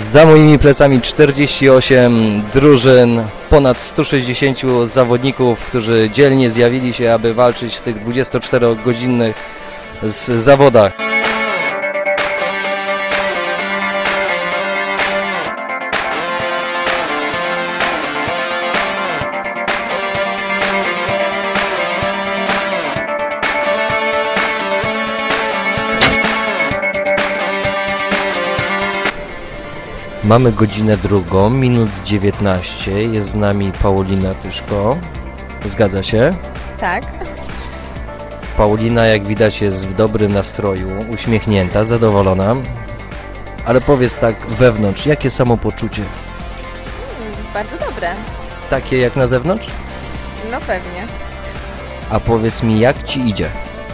Za moimi plecami 48 drużyn, ponad 160 zawodników, którzy dzielnie zjawili się, aby walczyć w tych 24-godzinnych zawodach. Mamy godzinę drugą, minut 19, jest z nami Paulina Tyszko. Zgadza się? Tak. Paulina, jak widać, jest w dobrym nastroju, uśmiechnięta, zadowolona. Ale powiedz tak wewnątrz, jakie samopoczucie? Bardzo dobre. Takie jak na zewnątrz? No pewnie. A powiedz mi, jak ci idzie?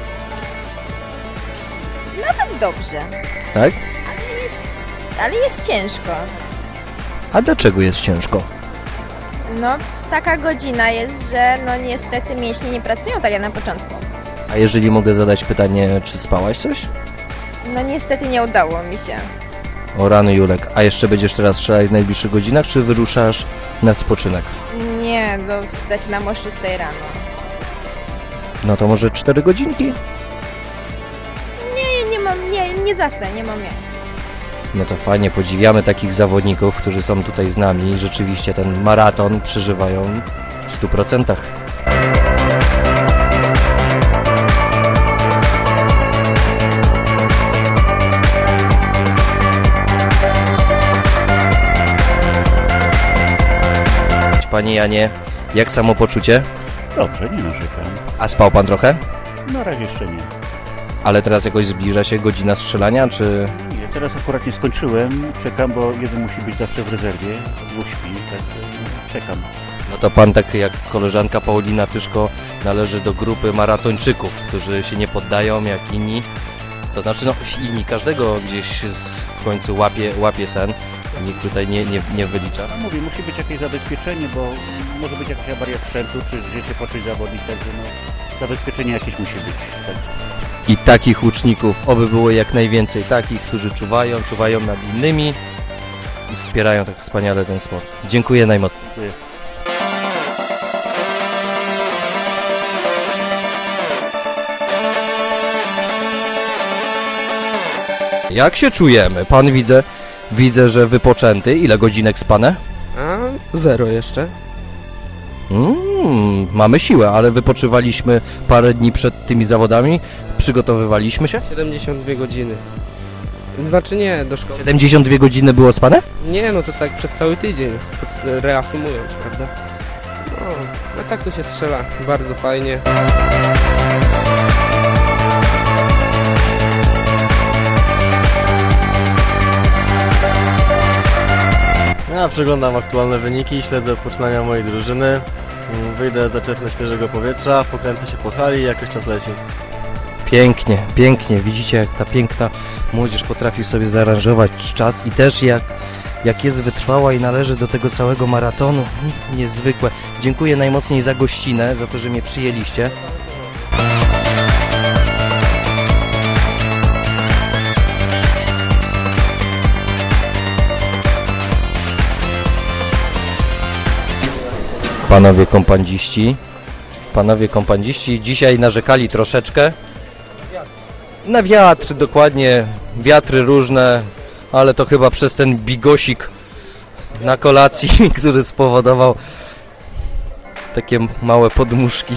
Nawet dobrze. Tak? Ale jest ciężko. A dlaczego jest ciężko? No, taka godzina jest, że no niestety mięśnie nie pracują tak jak na początku. A jeżeli mogę zadać pytanie, czy spałaś coś? No niestety nie udało mi się. O rany Julek, a jeszcze będziesz teraz strzelać w najbliższych godzinach, czy wyruszasz na spoczynek? Nie, no zaczynam o 6 rano. No to może 4 godzinki? Nie zasnę, nie mam jak. No to fajnie, podziwiamy takich zawodników, którzy są tutaj z nami i rzeczywiście ten maraton przeżywają w 100%. Panie Janie, jak samopoczucie? Dobrze, nie narzekam. A spał pan trochę? Na razie jeszcze nie. Ale teraz jakoś zbliża się godzina strzelania, czy... Nie, teraz akurat nie skończyłem. Czekam, bo jeden musi być zawsze w rezerwie. Dwóch śpi, tak czekam. No to pan, tak jak koleżanka Paulina Tyszko, należy do grupy maratończyków, którzy się nie poddają jak inni. To znaczy, no inni, każdego gdzieś w końcu łapie sen. Nikt tutaj nie wylicza. A mówię, musi być jakieś zabezpieczenie, bo może być jakaś awaria sprzętu, czy gdzieś się poczuć zawodnik, także no, zabezpieczenie jakieś musi być. Tak. I takich łuczników, oby było jak najwięcej, takich, którzy czuwają nad innymi i wspierają tak wspaniale ten sport. Dziękuję najmocniej. Dziękuję. Jak się czujemy? Pan widzę, że wypoczęty. Ile godzinek spane? A, 0 jeszcze. Mamy siłę, ale wypoczywaliśmy parę dni przed tymi zawodami. Przygotowywaliśmy się. 72 godziny. Znaczy nie, do szkoły. 72 godziny było spane? Nie, no to tak przez cały tydzień, reasumując, prawda? No, a tak to się strzela, bardzo fajnie. Ja przeglądam aktualne wyniki, śledzę poczynania mojej drużyny. Wyjdę, zaczerpnę świeżego powietrza, pokręcę się po hali i jakoś czas leci. Pięknie, pięknie. Widzicie, jak ta piękna młodzież potrafi sobie zaaranżować czas i też jak jest wytrwała i należy do tego całego maratonu. Niezwykłe. Dziękuję najmocniej za gościnę, za to, że mnie przyjęliście. Panowie kompandziści dzisiaj narzekali troszeczkę na wiatr, dokładnie, wiatry różne, ale to chyba przez ten bigosik na kolacji, który spowodował takie małe podmuszki.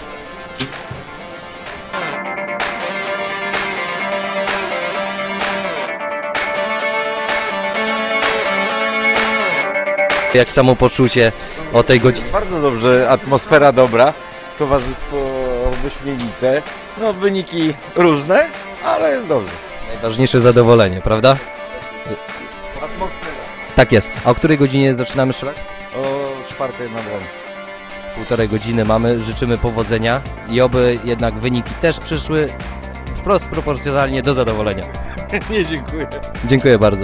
Jak samopoczucie o tej godzinie? Bardzo dobrze, atmosfera dobra, towarzystwo wyśmienite, no wyniki różne, ale jest dobrze. Najważniejsze zadowolenie, prawda? Atmosfera. Tak jest. A o której godzinie zaczynamy strzelać? O 4 nad ranem. Półtorej godziny mamy, życzymy powodzenia i oby jednak wyniki też przyszły wprost proporcjonalnie do zadowolenia. Nie, dziękuję. Dziękuję bardzo.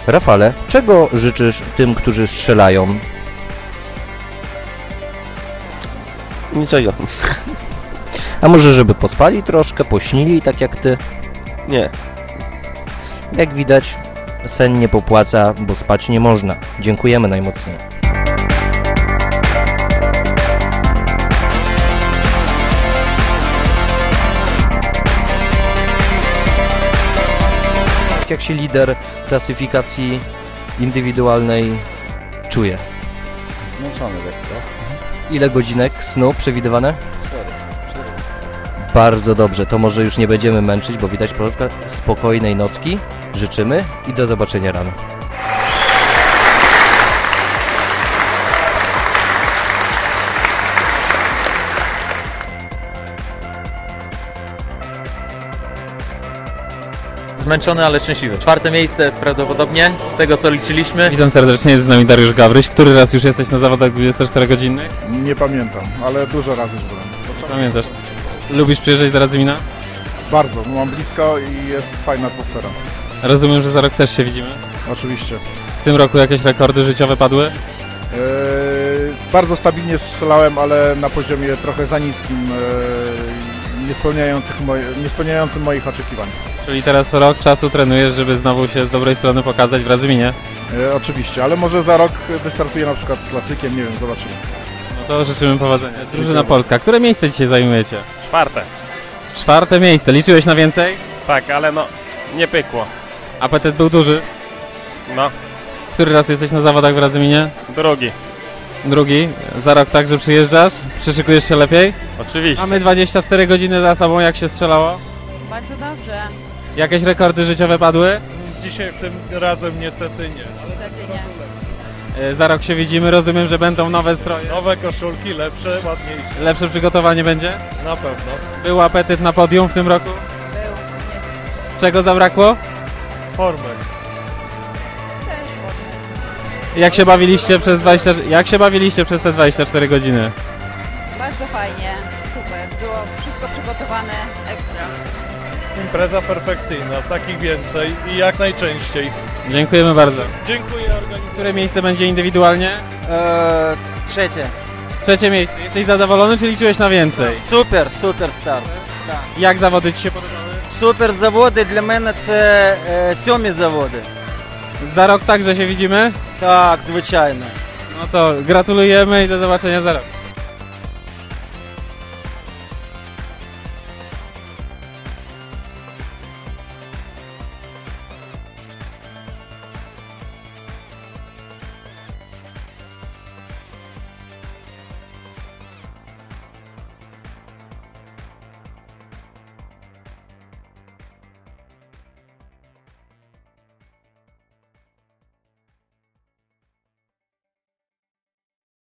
Rafale, czego życzysz tym, którzy strzelają? Niczego. A może żeby pospali troszkę, pośnili tak jak ty? Nie. Jak widać, sen nie popłaca, bo spać nie można. Dziękujemy najmocniej. Jak się lider klasyfikacji indywidualnej czuje? Zmęczony lekko. Ile godzinek snu przewidywane? Bardzo dobrze, to może już nie będziemy męczyć, bo widać Polska. Spokojnej nocki życzymy i do zobaczenia rano. Zmęczony, ale szczęśliwy. 4. miejsce prawdopodobnie, z tego co liczyliśmy. Witam serdecznie, jest z nami Dariusz Gawryś. Który raz już jesteś na zawodach 24-godzinnych? Nie pamiętam, ale dużo razy już byłem. Pamiętasz. Lubisz przyjeżdżać do Radzymina? Bardzo, mam blisko i jest fajna atmosfera. Rozumiem, że za rok też się widzimy. Oczywiście. W tym roku jakieś rekordy życiowe padły? Bardzo stabilnie strzelałem, ale na poziomie trochę za niskim, nie spełniającym moich oczekiwań. Czyli teraz rok czasu trenujesz, żeby znowu się z dobrej strony pokazać w Radzyminie? Oczywiście, ale może za rok wystartuję na przykład z klasykiem, nie wiem, zobaczymy. No to życzymy powodzenia. Drużyna Polska, które miejsce dzisiaj zajmujecie? 4. 4. miejsce. Liczyłeś na więcej? Tak, ale no, nie pykło. Apetyt był duży. No, Który raz jesteś na zawodach w Radzyminie? 2. Drugi. Za rok także przyjeżdżasz? Przyszykujesz się lepiej? Oczywiście. Mamy 24 godziny za sobą, jak się strzelało? Bardzo dobrze. Jakieś rekordy życiowe padły? Dzisiaj tym razem niestety nie. Niestety nie. Za rok się widzimy, rozumiem, że będą nowe stroje. Nowe koszulki, lepsze, ładniejsze. Lepsze przygotowanie będzie? Na pewno. Był apetyt na podium w tym roku? Był. Czego zabrakło? Formy. Też ładny. Jak się bawiliście przez te 24 godziny? Bardzo fajnie. Super. Było wszystko przygotowane ekstra. Impreza perfekcyjna, takich więcej i jak najczęściej. Dziękujemy bardzo. Dziękuję organizatorowi. Które miejsce będzie indywidualnie? 3. 3. miejsce. Jesteś zadowolony, czy liczyłeś na więcej? Super start. Jak zawody Ci się podobały? Супер заводи, для мене це 7 заводи. Za rok także się widzimy? Так, звичайно. No to gratulujemy i do zobaczenia za rok.